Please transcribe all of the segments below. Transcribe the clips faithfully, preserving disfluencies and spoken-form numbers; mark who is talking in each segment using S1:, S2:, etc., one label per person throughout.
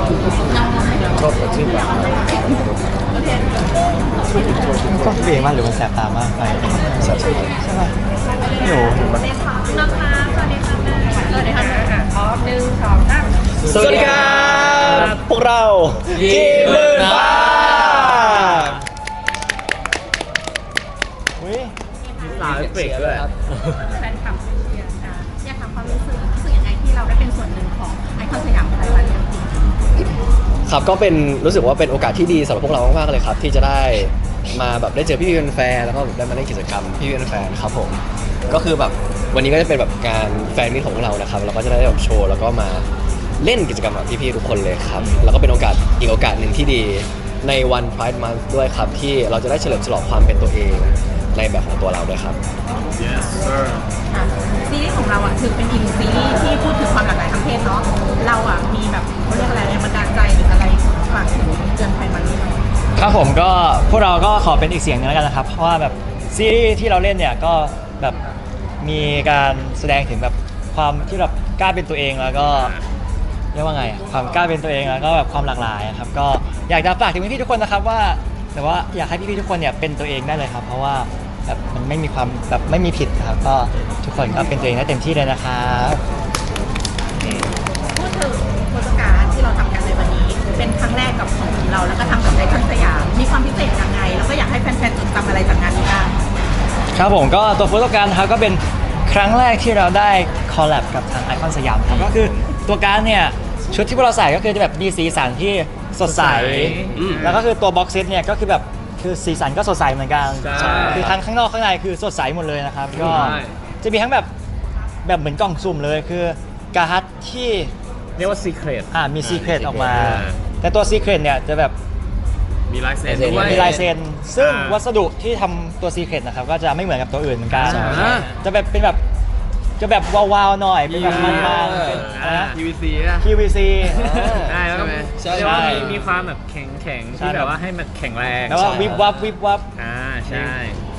S1: ชอบแบบที่แบบ
S2: ก็เปลี่ยนมากหรือมันแสบตามากไป
S1: ใช่ใช่
S2: ใช่ป่ะไม่รู้
S3: นะคะสวัสดีค่ะสวัสดีค่ะพร้อมหนึ่งสองสาม
S2: สวัสดีครับพวกเราทีมหมื่นฟ้าอุ้ย
S1: มีสาวเอฟเฟกต์ด้วย
S3: แฟนคลับเชียร์จ้าอยากถามความรู้สึกรู้สึกยังไงที่เราได้เป็นส่วนหนึ่งของไอคอนสยามไทยวันนี้
S1: ครับก็เป็นรู้สึกว่าเป็นโอกาสที่ดีสำหรับพวกเรามากๆเลยครับที่จะได้มาแบบได้เจอพี่ๆแฟนแล้วก็ได้มาเล่นกิจกรรมพี่ๆแฟนครับผมก็คือแบบวันนี้ก็จะเป็นแบบการแฟนมิตรของพวกเรานะครับเราก็จะได้แบบโชว์แล้วก็มาเล่นกิจกรรมกับพี่ๆทุกคนเลยครับแล้วก็เป็นโอกาสอีกโอกาสหนึ่งที่ดีในวัน Pride Month ด้วยครับที่เราจะได้เฉลิมฉลองความเป็นตัวเองในแบบของตัวเราด้วยครับ
S4: Yes sir
S3: ซีรีส์ของเราอ่ะถือเป็นอีกซีรีส์ที่พูดถึงความหลากหลายทางเพศเนาะเราอ่ะมีแบบเขาเรียกอะไรแรงบันดาลใจหรืออะไรฝากถึงเดือนไทยวันนี้ไหม
S2: ครับผมก็พวกเราก็ขอเป็นอีกเสียงหนึงแล้วกันนะครับเพราะว่าแบบซีรีส์ที่เราเล่นเนี่ยก็แบบมีการแสดงถึงแบบความที่แบบกล้าเป็นตัวเองแล้วก็เรียกว่าไงอะความกล้าเป็นตัวเองแล้วก็แบบความหลากหลายครับก็อยากจะฝากถึงพี่ๆทุกคนนะครับว่าแต่ว่าอยากให้พี่ๆทุกคนเนี่ยเป็นตัวเองได้เลยครับเพราะว่าแบบมันไม่มีความแบบไม่มีผิดครับก็ทุกคนก็เป็นตัวเองได้เต็มที่เลยนะครับ
S3: พูดถึงโฆษการที่เราทำกันในวันนี้เป็นครั้งแรกกับของเราแล้วก็ทำกับไอคอนสยามมีความพิเศษยังไงแล้วก็อยากให้แฟนๆจดจำอะไรจากงานนี้บ้าง
S2: ครับผมก็ตัวโฟโต้การ์ดครับก็เป็นครั้งแรกที่เราได้คอลแลบกับทางไอคอนสยามครับก็คือตัวการ์ดเนี่ยชุดที่พวกเราใส่ก็คือจะแบบมีสีสันที่สดใสแล้วก็คือตัวบ็อกเซตเนี่ยก็คือแบบคือสีสันก็สดใสเหมือนกันคือทั้งข้างนอกข้างในคือสดใสหมดเลยนะครับก็จะมีทั้งแบบแบบเหมือนกล่องสุ่มเลยคือการ์ดที่
S4: เรียกว่า secret
S2: อ่ามีซีเครตออกมาแต่ตัวซีเครตเนี่ยจะแบบ
S4: มีลายเซ็นด้วย
S2: มีลายเซ็นซึ่งวัสดุที่ทำตัวซีเครตนะครับก็จะไม่เหมือนกับตัวอื่นเหมือนกันจะแบบเป็นแบบจะแบบวาวๆหน่อยเป็นแบบมันๆ
S4: พี วี ซี อ่ะ
S2: พี วี ซี
S4: ได้แล้วก็เรียกว่ามีมีความแบบแข็งแข็งที่แบบว่าให้มันแข็งแรง
S2: แล้วก็วิบวับวิบวับ
S4: อ่าใช่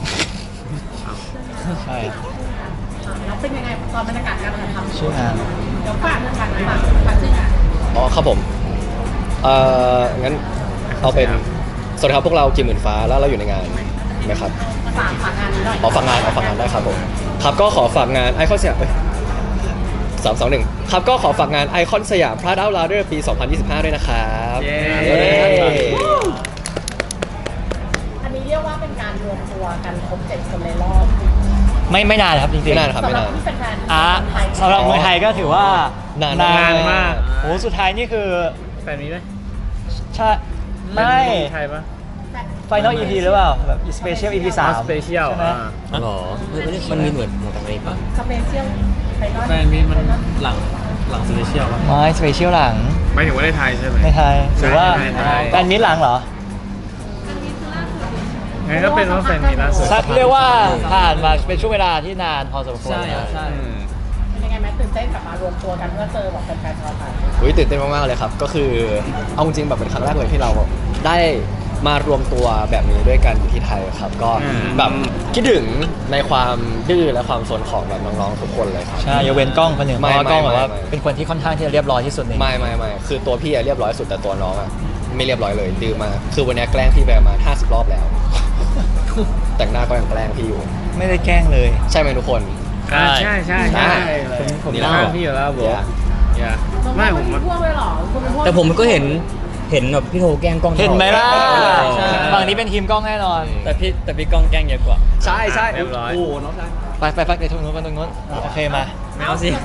S2: ใช่
S3: แล้วเป็นยังไงตอนบรรยากาศการทำ
S2: ชื่องาน
S3: เดี๋ยวฝากเรื่องการฝากฝากชื่องาน
S1: อ๋อครับผมเอ่องั้นเอาเป็นสวัสดีครับพวกเรากิมหมื่นฟ้าแล้วเราอยู่ในงานไหมครับ
S3: ฝากฝากงานหน่อย
S1: ขอฝากงานเอาฝากงานได้ครับผมครับก็ขอฝากงานไอคอนสยามสามสองหนึ่งครับก็ขอฝากงานไอคอนสยาม Pride Out Louder ปี สองพันยี่สิบห้า ด้วยนะครับ
S3: อันนี้เรียกว่าเป็นการรวมตัวกันครบเจ็ดคนในรอบ
S2: ไม่ไม่นานครับจริงๆ
S1: ไม่นานครับไม่นาน
S2: อ่ะสำหรับเมืองไทยก็ถือว่าน
S1: าน
S4: มาก
S2: โอ้สุดท้ายนี่คือ
S4: แฟนมีไหม
S2: ใช่ไม่
S4: ไทยปะ
S2: Final อี พี หรือเปล่าแบบ Special อี พี สาม
S4: Special
S2: ใช่ไหม
S1: หรอมันมีเหมือนของต่างประเทศปะ
S3: Special
S4: แฟนมีมันหลังหลัง Special ปะ
S2: ไม่ Special หลัง
S4: ไม่ถึงว่าในไทยใช่ไหม
S2: ในไทยหรือว่าแฟนมิตรหลังเหรอ
S4: งั้นก็เป็นว่าแฟนมีล่าสุด
S2: สักเรียกว่าผ่านมาเป็นช่วงเวลาที่นานพอสมควร
S4: ใช่ใช่
S3: เป็นยังไงแม้ตื่นเต้นกลับมารวมตัวกันเพื่อเจอแบบแฟนๆชาวไทย
S1: อุ้ยตื่นเต้นมากๆเลยครับก็คือเอาจริงแบบเป็นครั้งแรกเลยที่เราได้มารวมตัวแบบนี้ด้วยกันอยู่ที่ไทยครับก็แบบคิดถึงในความดื้อและความโซนของแบบน้องๆทุกคนเลยครับ
S2: ใช่ยกเว้นกล้องคนหนึ่งเพราะว่ากล้องแบบว่าเป็นคนที่ค่อนข้างที่จะเรียบร้อยที่สุดใน
S1: ไม่ไม่ไม่คือตัวพี่เรียบร้อยสุดแต่ตัวน้องอ่ะไม่เรียบร้อยเลยดื้อมากคือวันนี้แกล้งพี่ไปประมาณห้าสิบรอบแล้วแต่งหน้าก็ยังแกล้งพี่อยู่
S2: ไม่ได้แกล้งเลย
S1: ใช่ไหมทุกคน
S4: ใช่ใช่ใช่ใช่ผมนี่แหละพี่อยู่แล้วบอกอย่าไม่ผม
S3: มันพวกเลยหรอ
S5: แต่ผมก็เห็นเห็นแบบพี่โทแกล้งกล้อง
S2: เห็นไหมล่ะฝั่งนี้เป็นทีมกล้องแน่นอน
S5: แต่พี่แต่พี่กล้องแกล้งเยอะกว่า
S1: ใช่ใช่
S4: เรียบร้อย
S1: โอ้น้องชาย
S2: ไปไปไปไปตรงนู้นไปตรงนู้นโอเคมา
S5: ไม่เอาสิ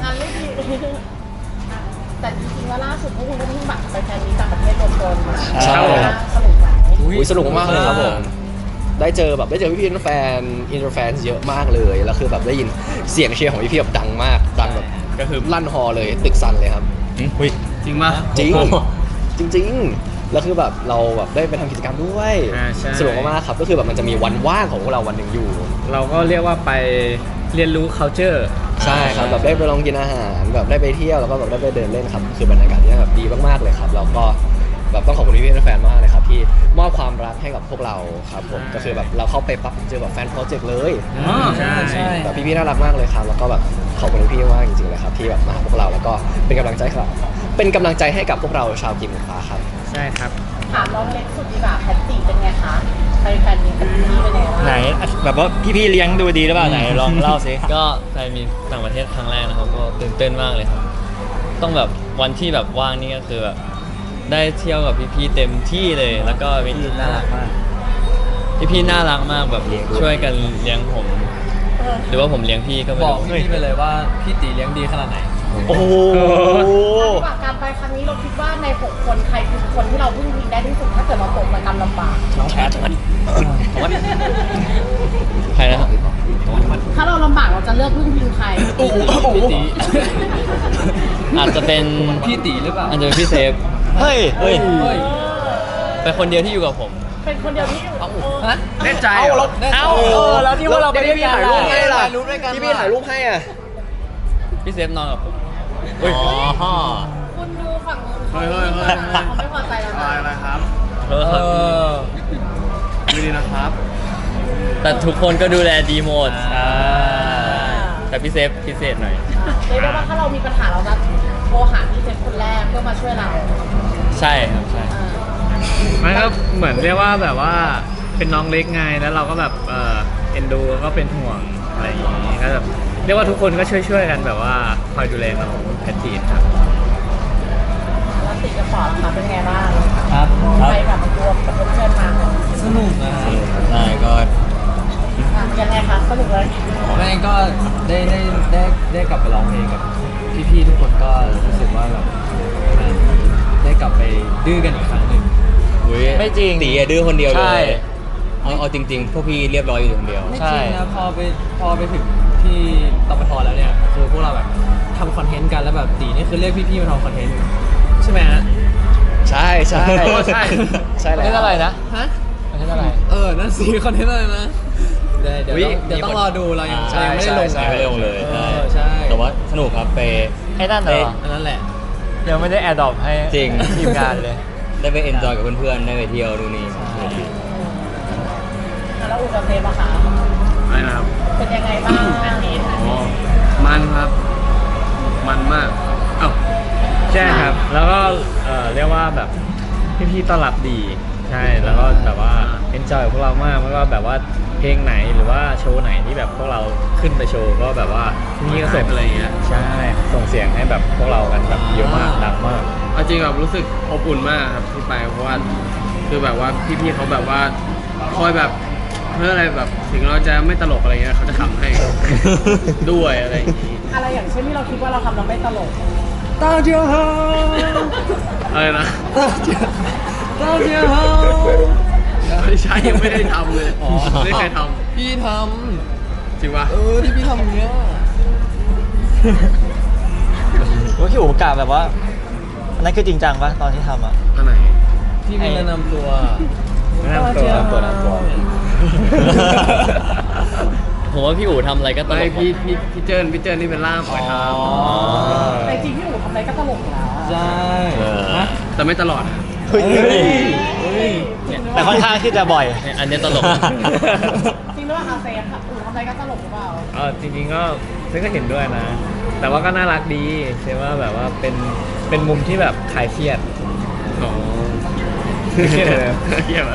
S3: แต่จริงๆว่าล่าสุดพวกคุณก็เพิ่งบัตรไปแฟนมีต่างประเทศรวมตัว
S1: ใช่
S3: สนุกไหม
S1: อุ้ยสนุกมากเลยครับผมได้เจอแบบได้เจอพี่ๆแฟนอินเตอร์แฟนเยอะมากเลยแล้วคือแบบได้ยินเสียงเชียร์ของพี่ๆแบบดังมากดังแบบก็คือลั่นฮอเลยตึกสั่นเลยครับ
S2: อุ้ย
S4: จริงมาก
S1: จริงจริงๆแล้วคือแบบเราแบบได้ไปทำกิจกรรมด้วยสนุกมากๆครับก็คือแบบมันจะมีวันว่างของพวกเราวันหนึ่งอยู่
S4: เราก็เรียกว่าไปเรียนรู้ culture
S1: ใช่ครับแบบได้ไปลองกินอาหารแบบได้ไปเที่ยวแล้วก็แบบได้ไปเดินเล่นครับคือบรรยากาศที่แบบดีมากๆเลยครับแล้วก็แบบต้องขอบคุณพี่ๆแฟนมากเลยครับที่มอบความรักให้กับพวกเราครับผมก็คือแบบเราเข้าไปปั๊บเจอแบบแฟนโปรเจกต์เลย
S4: ใช่ใช่
S1: แบบพี่ๆน่ารักมากเลยครับแล้วก็แบบขอบคุณพี่ๆมากจริงๆเลยครับที่แบบมาหาพวกเราแล้วก็เป็นกำลังใจครับเป็นกำลังใจให้กับพวกเราชาวกีมฟ้าครับ
S4: ใช่ครับ
S3: ถามน้องเล็กสุดดีกว่าแพทติเป็นไงคะไปแฟนมีตที่นี่เป็นไงบ้าง
S2: ไหนแบบว่าพี่ๆเลี้ยงดูดีหรือเปล่าไหนลองเล่าสิ
S5: ก็ไปมีต่างประเทศครั้งแรกนะครับก็ตื่นเต้นมากเลยครับ ต้องแบบวันที่แบบว่างนี่ก็คือแบบได้เที่ยวกับพี่ๆเต็มที่เลย แล้วก็มี
S2: น่ารักมาก
S5: พี่ๆน่ารักมากแบบช่วยกันเลี้ยงผม
S3: เออ
S5: หรือว่าผมเลี้ยงพี่ก็ไม่
S6: บอก
S5: รู้
S6: พี่ไปเลยว่าพี่ตีเลี้ยงดีขนาดไหน
S2: โอ้โห
S3: จากการไปครั้งนี้เราคิดว่าในหกคนใครคือคนที่เราพึ่งพิงได้ที่สุดถ้าเกิดเราตกมาการลำบาก
S1: น้องแพท
S5: ใครนะครับ
S3: ถ้าเราลำบากเราจะเลือกพึ่งพิงใคร
S6: พี่ตี
S5: อาจจะเป็น
S6: พี่ตีหรือเปล่า
S5: อาจจะเป็นพี่เซฟ
S2: เฮ้ย
S5: เฮ้ย
S6: เฮ้ย
S5: เป็นคนเดียวที่อยู่กับผม
S3: เป็นคนเดียวที่อยู่
S6: ฮะ
S1: แน่ใจเหรอ
S2: เอ้าเออแล้วที่ว่าเราไปด้วย
S1: พี่
S2: กัน
S1: ถ่ายรูปให้ล่ะ
S6: ถ่ายรูปด้วยกัน
S1: พี่พี่ถ่ายรูปให้อ่ะ
S5: พี่เซฟนอนกับผม
S6: อ๋อ
S3: คุณดูฝั่งนู้น
S6: เฮ้ยเฮ้ยเฮ้ย
S3: เขาไม่พอใจแล้วนะ
S6: อะไรครับ
S5: เอ
S6: เอ
S5: อ
S6: อดูดีนะครับ
S5: แต่ทุกคนก็ดูแลดีหมด
S2: อ่า
S5: แต่พี่เซฟพิเศษหน่อย
S3: เรียกได้ว่าถ้าเรามีปัญหาเราจะโทรหาพี่เจฟคนแรกเพื่อมาช่วยเรา
S5: ใช่ครับใช่
S3: อ่า
S4: มันก็เหมือนเรียกว่าแบบว่าเป็นน้องเล็กไงแล้วเราก็แบบเออเอ็นดูก็เป็นห่วงอะไรอย่างงี้ก็แบบเรียกว่าทุกคนก็ช่วยๆกันแบบว่าคอยดูแลน้องแพทจีนครับ
S3: แล้วติดกระป๋องค่ะเป็นไงบ้าง
S6: ครับ
S3: ไปแบบรวมกับเพื่อนๆมา
S6: สนุกนะฮะ
S5: ใช่ก็
S3: อ่ะยังไงคะสนุกเลย
S6: แม่ก็ได้ได้ได้ได้กลับไปร้องเพลงกับพี่ๆทุกคนก็รู้สึกว่าแบบได้กลับไปดื้อกันอีกครั้งหนึ่ง
S5: อุ๊ย
S2: ไม่จริง
S5: ตีอะดื้อคนเดียวเล
S2: ใช่
S5: ยเอาเอาจริง ๆ พวกพี่เรียบร้อยอยู่คนเดียว
S6: ไม่
S2: ใช่
S6: จริงนะพอไปพอไปถึงที่ตปทแล้วเนี่ยคือพวกเราแบบทำคอนเทนต์กันแล้วแบบตีนี่คือเรียกพี่ๆมาทำคอนเทนต์ใช่ไหมฮะ
S1: ใช่ใช่
S6: เออใช่
S1: ใช่แล้ว
S2: เล่นอะไรนะ
S6: ฮะ
S2: เล่นอะไร
S6: เออ นั่นสิคอนเทนต์อะไรนะ เดี๋ยวเดี๋ยว
S1: อุ๊ย
S6: ต้องเดี๋ยวต้องรอดูเรายัง
S1: ใช่
S6: เรายังไม่ได้ลง
S1: ใช่
S5: ไม่ได้ลงเลย
S6: เอ
S5: ใช่
S6: อใช่
S5: แต่ว่าสนุกครับไป
S2: ไอ้นั่นเหรอ
S6: อันนั้นแหละ
S2: ยังไม่ได้แอดดอปให้
S5: จริง
S2: ทีมงานเลย
S5: ได้ไปเอนจอยกับเพื่อนๆ ได้ไปเที่ยวดูนี่
S3: แล้วอุปเทปอะคะ
S4: อะไรนะครับ
S3: เป็นยังไงบ้าง
S4: อ๋อมันครับ มันมากเอ้าใช่ครับ แล้วก็เอ่อเรียกว่าแบบพี่ๆต้อนรับดี ใช่ แล้วก็แบบว่าเอนจอยกับพวกเรามากแล้วก็แบบว่าเพลงไหนหรือว่าโชว์ไหนที่แบบพวกเราขึ้นไปโชว์ก็แบบว่าพี่ๆก็ส่งอะไรเงี้ย ใช่ ส่งเสียงให้แบบพวกเรากันแบบเยอะมากดังมาก
S7: เอาจริงแบบรู้สึกอบอุ่นมากครับที่ไปเพราะว่าคือแบบว่าพี่ๆเขาแบบว่าคอยแบบเพื่ออะไรแบบถึงเราจะไม่ตลกอะไรเงี้ยเขาจะขำให้ ด้วยอะไรอย่างงี้
S3: อะไรอย่างเช่นที่เราคิดว่าเราทำเราไม่ตลก
S6: ตาเจียวเฮา
S7: อะไรนะ
S6: ตาเจียวเฮา
S7: ไม่ใช่ยังไม่ได้ทำเลย
S6: อ๋อ
S7: ไม่เคยท
S6: พี่ท
S7: ำจริงปะ
S6: ำเออที่พี่ทำเนี้ย
S2: ว่าพี่อู๋กะแบบว่าอันนั้นคือจริงจังปะตอนที่ทำอ่ะ
S7: อันไหน
S6: พี่มีแนะนำตัว
S4: แนะนำตัว
S2: ตัวนั้นตัว
S5: ผมว่าพี่อู๋ทำอะไรก็ตล
S7: ไม่
S5: กหม
S7: พี่
S5: ด
S7: พี่พี่เจิ้นพี่เจิ้นนี่เป็นล่ามคอยท
S3: แต่จริงพี่อู๋ทำอะไรก็ตลกอยู่แล้ว
S6: ใช่
S5: เออ
S6: ฮะ
S7: ำแต่ไม่ตลอดนะ
S2: เฮ้ย
S6: เฮ้ย
S2: แต่ค่อนข้างที่จะบ่อย
S5: เนี่ยอันเนี้ยตลก
S3: จริงหรือเปล่าคะเซฟอู๋ทำอะไรก็ตลกหรือเปล่า
S4: เออจริงๆก็เซนก็เห็นด้วยนะ แต่ว่าก็น่ารักดีเซนว่าแบบว่าเป็นเป็นมุมที่แบบคลายเครียด
S7: อ๋อ
S4: เครียดเลย
S7: เยี่ยมอะ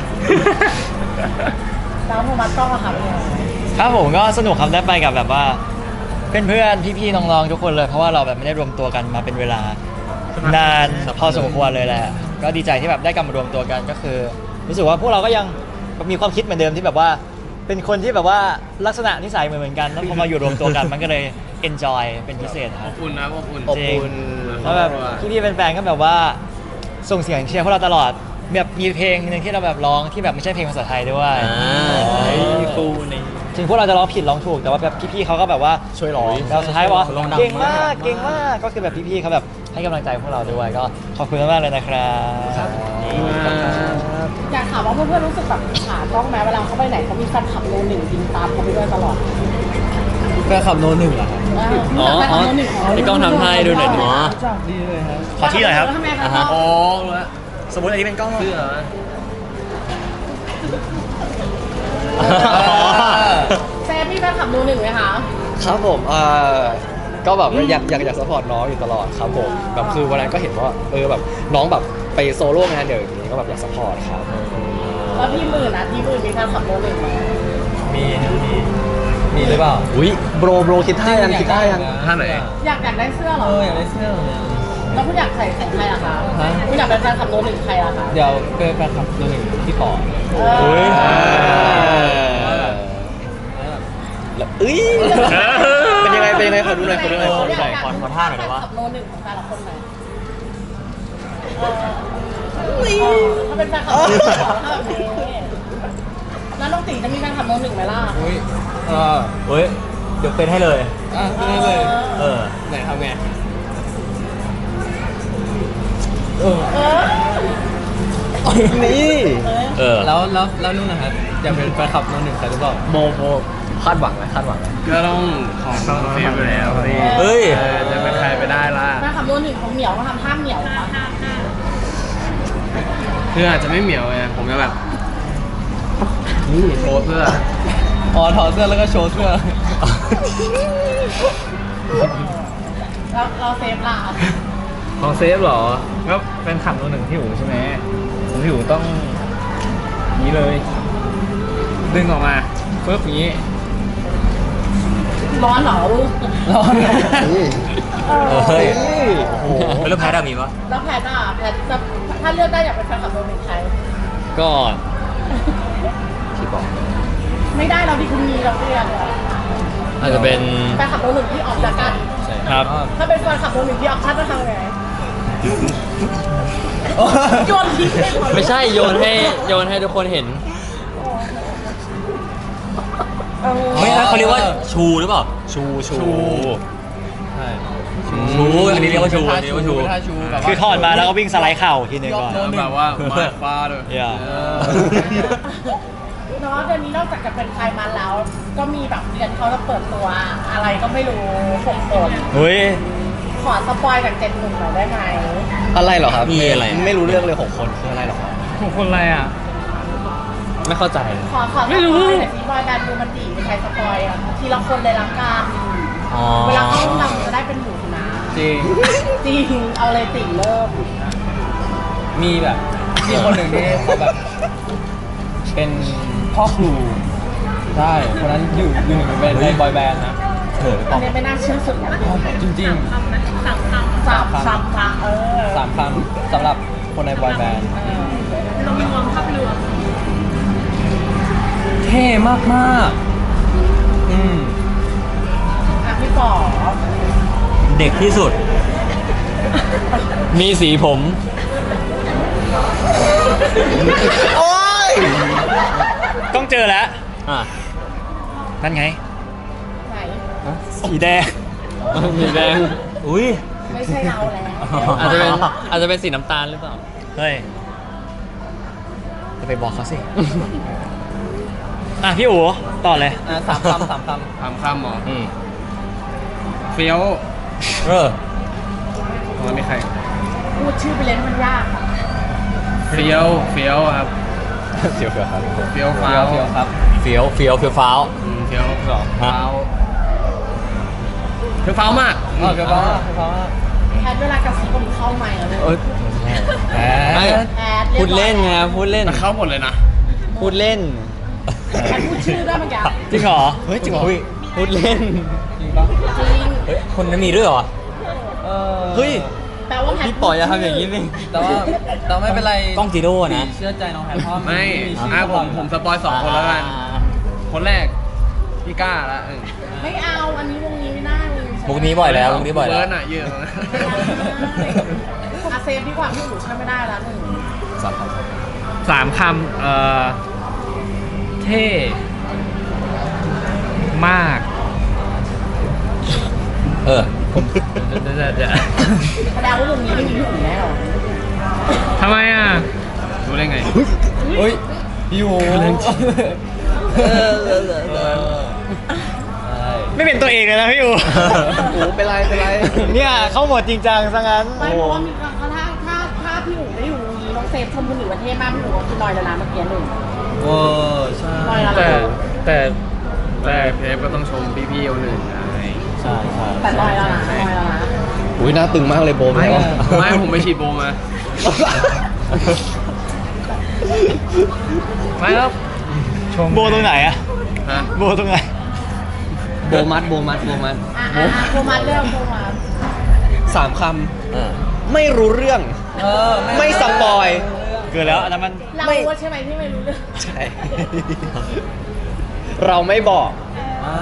S3: แล้วโทมัสกล้องอะค่ะเป็นยังไง
S2: ครับผมก็สนุกครับได้ไปกับแบบว่าเพื่อนๆพี่ๆน้องๆทุกคนเลยเพราะว่าเราแบบไม่ได้รวมตัวกันมาเป็นเวลานานพอสมควรเลยแหละก็ดีใจที่แบบได้กลับมารวมตัวกันก็คือ รู้สึกว่าพวกเราก็ยังมีความคิดเหมือนเดิมที่แบบว่า เป็นคนที่แบบว่าลักษณะนิสัยเหมือนเหมือนกันแล้วพอมาอยู่รวมตัวกันมันก็เลย enjoy เป็นพิเศษค
S7: อ
S2: รับบ
S7: อุ่นนะอบอุ่น
S1: อบอุ่น
S2: แล้วแบบพี่ๆแฟนๆก็แบบว่าส่งเสียงเชียร์พวกเราตลอดแบบมีเพลงหนึงที่เราแบบร้องที่แบบไม่ใช่เพลงภาษาไทยด้วย
S5: อ่า
S2: เออ
S5: ฟูใน
S2: ถึงพวกเราจะร้องผิดร้องถูกแต่ว่าแบบพี่ๆเขาก็แบบว่าช่วยร้องแล้วสุดท้ายบอกว่า
S6: ร้องดัง
S2: เก่งมาก
S6: มาก
S2: เก่งมากก็คือแบบพี่ๆเขาแบบให้กำลังใจพวกเราด้วยก็ขอบคุณมากๆเลยนะครับ
S3: อยากถามว่าเพื่อนๆรู้สึกแบบขากล้องไหมเวลาเขาไปไหนเขามีแฟนคลับโนหนึ่งยิงตามเขาไปด้วยตลอด
S6: แฟนขับโนหนึ่งเหรอครับ
S5: อ๋ออ๋อพี่ก้องทำท่าให้ดูหน่อยดิ
S6: รู้จักดีเลยครับ
S2: ขอที่หน่อยครับ
S3: ทำไมคะ
S5: อ่าฮะ
S7: อ๋อรู้แล้ว
S2: สมมติอันนี้เป็นกล้อง
S7: เสื้อ
S3: เซฟมีแฟนคลับโนหนึ่งไหมคะ
S1: ครับผมเอ่อก็แบบว่าอยากอยากอยากสปอร์ตน้องอยู่ตลอดครับผมแบบคือวันนั้นก็เห็นว่าเออแบบน้องแบบไปโซโล่งานเดี่ยวอย่างนี้ก็แบบอยากสปอร์ตครับ
S3: แล้วพี่หมื่นอ่ะพี่หมื่นมีการขับรถเลยไหม
S6: มีนะมีมีหรือเปล่า
S1: อุ้ยโบรโบรคิดท่ายังคิดท่ายัง
S7: ท่าไหน
S3: อยากอยากได้เสื้อเหร
S6: เอ
S3: อ
S6: ออยากได้เสื้อเหมือนกัน
S3: แล้วคุณอยากใส่ใส่ใครล่ะคะ
S6: ฮะ
S3: คุณอยากเป็นแฟนขับรถหนึ่งใครล่ะคะ
S6: เดี๋ยวเป็นแฟนคลับตัวหนึ่งที่ปอ
S3: เอ
S1: อุ้ย
S3: อ
S1: แล้วเอ้ยเป็นยังไงเป็นยังไงขอดูหน่อยขอดูหน่อยขอดูหน่อย
S2: ขอขอท่าหน่อยได้ปะ
S3: ขับรถหนึ่งของแต่ละคนหน่อยเออเออถ้าเป็นแฟนขับรถหนึ่งถ้าแบบนี้แล้วน้องตีจะมีแฟนขับรถหนึ่งไหมล่ะ
S6: อุ้ยเออ
S2: เฮ้ยเดี๋ยวเป็นให้เลย
S6: อ่ะไม่ได้เลย
S2: เออ
S6: ไหนทำไงเออ
S3: เออ
S1: นี่
S2: เออ
S6: แล้วแล้วแล้วนู่นนะครับอยากเป็นแฟนคลับตัวหนึ่งใครหรือเปล่า
S1: โบโบคาดหวังไหมคาดหวังไหม
S7: ก็ต้องของต้องเฟรมอยู่แล้วพี่
S2: เฮ้ย
S7: ออจะเป็นใครไปได้ล่ะ
S3: แฟนขับรถหนึ่งของเหมียวก็ทำท่าเหมียวค่ะ
S7: คืออาจจะไม่เหมียวไงผมจะแบบนี่โชว์เสื้อ
S6: อ๋อถอดเสื้อแล้วก็โชว์เสื้อ
S3: แล้วเราเซฟล่ะ
S4: ของเซฟเหรอก็เป็นขับตัวหนึ่งที่หูใช่ไหมผมที่หูต้องนี้เลย ดึงออกมาปึ๊บอย่างนี้
S3: ร้อนเหรอลูก
S6: ร้อน
S1: นี่
S3: เออ
S2: เฮ้ย โอ้โหแล้วแพ้ดามีปะ
S3: แล้วแพทอ่ะแพทจะถ้าเลือกได้อยากเป็นแฟนขับรถหนึ่งใคร
S5: ก็
S1: ที่บอก
S3: ไม่ได้เราที่คุณมีเราเรียกอะ
S5: อาจจะเป็น
S3: แฟนขับรถหนึ่งที่ออกจากกัน
S2: ครับ
S3: ถ้าเป็นแฟนขับรถหนึ่งที่ออกชัดจะทำไงโยนทิ้งไปหมด
S5: ไม่ใช่โยนให้โยนให้ทุกคนเห็น
S3: เออ
S2: ไม่ใช่เขาเรียกว่าชูหรือเปล่า ชูชู
S6: ใช่
S2: ชูอันนี้เรียกว่าชูอันนี้เรียกว่าชู
S6: เป็นท่าชูแบบว่า
S2: คือถอดมาแล้วก็วิ่งสไลด์เข่าทีนึงก่อน
S6: ยกโน้ต
S7: แบบว่ามาฟ้าเลย
S2: อย่า
S6: เออ
S3: เนาะเดือนนี้นอกจากจะเป็นไทยมันแล้ว ก็มีแบบเดือนเขาจะเปิดตัวอะไรก็ไม่รู้หกคน
S2: เฮ้ย
S3: ขอสปอยจากเจ็ดหนุ่มหน่อยได้ไหม
S1: อะไรเหรอครับ
S2: มีอะไร
S1: ไม่รู้เรื่องเลยหกคนคืออะไรเหรอครับ
S4: ของคนอะไรอ่ะ
S5: ไม่เข้าใจ
S3: ขอขอสปอยหน่อยสิบอยแบนด์ดูมันดีเป็นใครสปอยอ่ะทีละคนเลยละกัน
S2: อ๋อ
S3: เวลาเข้าห้องน้ำจะได้เป็นหมูนะ
S6: จริง
S3: จริง เอาเลยติเริ่ม
S6: มีแบบมีคนหนึ่งที่เขาแบบ เป็นพ่อครูใช่คนนั้นอยู่อยู่หนึ่งในในบอยแบนด์นะ
S2: เออ
S3: อันนี้ไม่น่าเชื่อสุดนะ
S6: จริง
S3: สามคำสามคำสามคำเออ
S6: ๆสามคำสำหรับคนในบอยแบนด์
S3: เรามีความภาพรวม
S6: เท่มากมากๆอืม
S3: อ่ะพี่ป๋อ
S2: เด็กที่สุด
S5: มีสีผม
S1: โอ้ย
S2: ต้องเจอแล้ว
S5: อ่ะ
S2: นั่นไง
S3: ไหน
S2: สีแดง
S5: สีแดง
S2: อุ้ย
S3: ไม่ใช่เราแล้ว
S5: อาจจะเป็นอาจจะเป็นสีน้ำตาลหรือเปล่า
S2: เฮ้ย จะไปบอกเขาสิ อ่ะพี่อู๋ต่อเลย
S6: อ่ะสามคำสามค
S7: ทำคำหมอ
S2: อืม
S7: เฟี้ยว
S2: เออ
S7: ตอนนี้ใคร
S3: พูดชื่อไปเลยให้มันยากค่ะ
S7: เฟี้ยวเฟี้ยวครับ
S1: เสียวเฟียวครับ
S7: เฟี้ยว
S6: ำ
S7: ฟ้า
S6: เฟี้ยว
S7: ว
S6: เฟี้ยวครับ
S2: เฟี้ยวเฟี้ยวเฟี้ยวฟ้าว
S7: อืมเฟี้ยวสอง
S2: ฮะ
S7: ฟ้าวเฟี้ยวฟ้าวมาก
S6: อ๋อเฟี้ยวฟ้าวมากเฟี้ยวฟ้าวมาก
S3: แพทเวลากระซิบก็มีเข้าใหม่แล้วเลย
S2: เอ้ย
S6: แหม
S5: ไม่
S3: แพท
S5: พูดเล่นไงพูดเล่น
S7: แต่เข้าหมดเลยนะ
S5: พูดเล่น
S3: แพทพูดชื่อได้เมื่อกี้
S2: จริงเหรอ
S1: เฮ้ยจริงเหรอ
S2: อุ้ย
S5: พูดเล่น
S6: จริงปะ
S3: จริง
S2: เฮ้ยคนนั้นมีด้วยเหรอ
S6: เออ
S1: เฮ้ย
S3: แปลว่าแพท
S5: พี่ปล่อยอย่าทำอย่างนี้สิ
S6: แต่ว่าแต่ไม่เป็นไร
S2: กล้องจีโร่นะ
S6: เชื่อใจน้องแพทเพราะ
S7: ไม่
S6: ชื่
S7: อ่ะผมผมสปอยสองคนแล้วกัน
S2: อ่า
S7: คนแรกพี่ก้าละเออ
S3: ไม่เอาอันนี้วงนี้ไม่ได้เลย
S2: มุกนี้บ่อยแล้วมุกนี้บ่อยแล้ว
S7: เบิร์ดอ่ะเยอะนะ
S3: อาเซฟดีกว่าพี่หนูช่วยไม่ได้แล้วหนึ่ง
S1: สามค
S4: สามคำเอ่อ เท่มาก
S2: เออ
S4: เดี๋ยวเดี๋ยวเดี๋ยว
S3: แสดงว่าวงนี้ไม่มีพี่หนูแน่หรอ
S4: ทำไมอ่ะ
S7: รู้ได้ไง
S6: เฮ้ยพี่โหเออเออเออเออใช่
S2: ไม่เป็นตัวเองเลยนะพี่อู๋
S1: ำโอ้เป็นไรเป็นไร
S2: เนี่ยเข้าหมดจริงจังซะงั้น
S3: ไม่เพราะว่ามีครั้งถ้าถ้าถ้าพี่หนูไม่อยู่วงนี้น้องเซฟชมคนอื่นประเทศมากพี่หนูก็คือลอยละลาเมื่อกี้หนึ่ง
S6: เออใช่
S3: ลอยละ
S4: แต่
S3: ลา
S4: แต่แต่
S7: แต่เพฟก็ต้องชมพี่ๆคนอื่นไง
S2: ใช่ใช่
S3: แต่ลอยแล้วนะลอยแล้วนะ
S1: อุ้ยหน้าตึงมากเลยโบม
S7: ไม่
S1: แล้ว
S7: ไม่ผมไปฉีดโบมา ไม่ครับ
S2: โบตรงไหนอะ
S7: ฮะ
S2: โบตรงไหน
S1: โบมัดโบมัดโบมัด
S3: อ่ะอ่ะอ่ะโคมาเรื่องโคมา
S1: สามคำไม่รู้เรื่อง
S6: เออ
S1: ไม่สปอย
S2: เกิดแล้วอันนั้นมัน
S3: เราว่าใช่ไหมที่ไม่รู้เรื่อง
S1: ใช่ เราไม่บอก
S6: อ่าร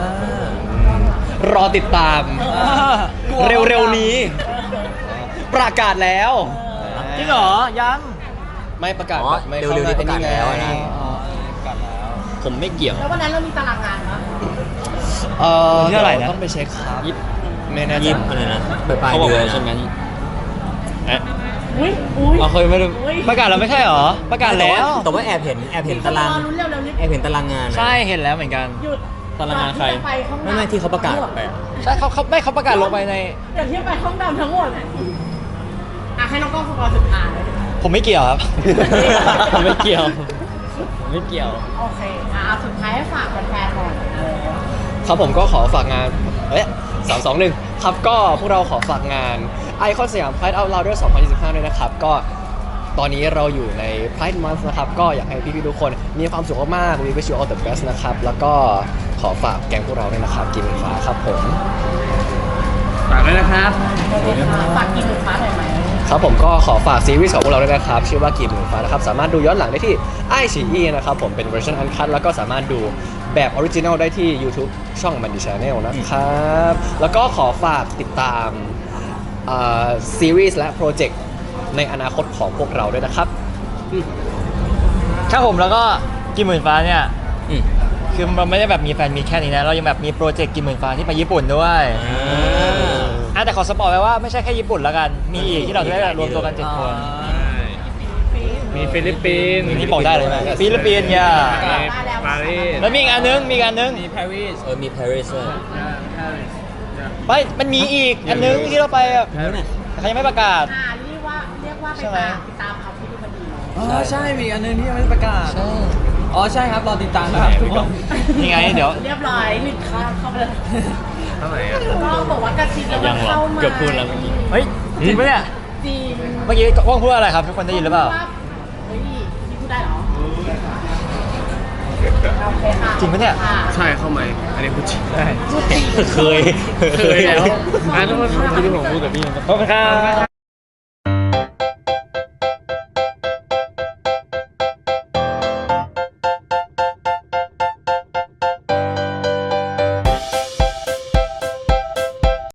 S1: อติดตาม เร็วๆนี้ ประกาศแล้ว
S2: จริงเหรอ ยัง
S1: ไม่ประกาศ
S8: อ๋อ
S1: ไม่
S8: เร็วๆนี้ประกาศแล้วนะ
S5: ผมไม่เกี่ยว
S3: แล้ววันนั้นเรามีตารางงานปะ
S1: เออ
S2: ที่เท่าไหร่นะ
S1: ต้องไปเช็คครับ
S5: ยิบ
S1: ไม่แน่ใจ
S8: ยิบอะไรนะปลายปลาย
S5: เขาบอก
S8: เดือน
S5: ว่าใช่ไหม
S8: นะ
S5: เอ๊ะ
S3: อุ้ยอุ้ย
S5: เอาเคยไม่ได้
S3: อุ้ย
S2: ประกาศแล้วไม่ใช่เหรอ ประกาศแล้ว
S8: แต่ว่าแอบเห็นแอบเห็นตาราง
S3: ลุ้นเร็วเร็วๆรีบ
S8: แอบเห็นตารางงานนะ
S2: ใช่เห็นแล้วเหมือนกัน
S3: หยุด
S5: ตารางงานใคร
S3: ก่อที่จะไปห้อง
S8: ไม่ไม่ที่เขาประกาศไปอะ
S2: ใช่เขาเขาไม่เขาประกาศลงไปใน
S3: ก่อนที่จะไปห้องดำทั้งหมดอ่ะให้น้องกล้องสปอยสุดท้าย
S2: ผมไม่เกี่ยวครับ
S5: ผมไม่เกี่ยวผมไม่เกี่ยว
S3: โอเคอ่ะเอาสุดท้ายให้ฝากแฟนๆหน่อยเออ
S1: ครับผมก็ขอฝากงาน เอ๊ะสามสองหนึ่งครับก็พวกเราขอฝากงานไอคอนสยาม Pride Out Louder สองพันยี่สิบห้าด้วยนะครับ ก็ตอนนี้เราอยู่ใน Pride Month นะครับ ก็อยากให้พี่ๆทุกคนมีความสุขมากๆ We wish you all the best นะครับ แล้วก็ขอฝากแกงพวกเราด้วยนะครับ กินหมูฟ้าครับผม
S7: ฝากด้วยนะครับ
S3: ฝากกินหมูฟ้าหน่อยไหม
S1: ครับผมก็ขอฝากซีรีส์ของพวกเราด้วยนะครับ ชื่อว่ากีบหมูฟ้านะครับ สามารถดูย้อนหลังได้ที่ไอซีอีนะครับผมเป็นเวอร์ชันอันคัทแล้วก็สามารถดูแบบออริจินัลได้ที่ YouTube ช่องมันดีชาแนลนะครับ แล้วก็ขอฝากติดตามซีรีส์และโปรเจกต์ในอนาคตของพวกเราด้วยนะครับ
S2: ครับผมแล้วก็กินหมื่นฟ้าเนี่ย
S8: อืม
S2: คือมันไม่ได้แบบมีแฟนมีแค่นี้นะ เรายังแบบมีโปรเจกต์กินหมื่นฟ้าที่ไปญี่ปุ่นด้วยอ่ะแต่ขอสปอยไว้ว่าไม่ใช่แค่ญี่ปุ่นแล้วกัน มีอีกที่เราจะได้รวมตัวกันเจ็ดคน
S4: มีฟิลิปปินส์
S2: นี่บอกได้เลยไหมฟิลิปปินส์เนี่ย
S4: ปารีส
S2: แล้วมีอีกอันนึงมีอีกอันนึง
S6: มีปารีส
S8: เออมีปารีสด้วย
S2: ไม่มันมีอีกอันนึงที่เราไปอ่ะแต่เขายังไม่ประกาศ
S3: อ่าเรียกว่าเรียกว่าไป
S2: ใช่ไหม
S3: ตามติดตามเขาที่ดูมันดีเนาะ
S6: อ๋อใช่ มีอันนึงที่ยังไม่ได้ประกาศ อ๋อใช่ครับ รอติดตามนะครับทุกคน
S2: นี่ไงเดี๋ยว
S3: เรียบร้อยหนึ่งข้ามเข้าไปเลย
S4: เท่าไหร่อ่ะ
S3: ก็บอกว่ากระซิบแล้วมันเข้ามา
S5: เกือบพูดแล้วเมื่อกี้
S2: เฮ้ยจริงปะเนี่ย
S3: จริง
S2: เมื่อกี้ว่องพูดอะไรครับทุกคนได้ยินหรือเปล่า
S3: เฮ้ยนี่พูดได้เหรอโอเคค่ะ
S2: จริงปะเนี่ย
S3: ค่ะ
S7: ใช่เข้าไหมอันนี้พูดจริง
S2: ได้
S3: พูดจริง
S2: เคย
S7: เคยแล้วอ่ะทุกคน
S5: ที่ผมพูดกับพี่มันก็
S2: ขอบคุณครับ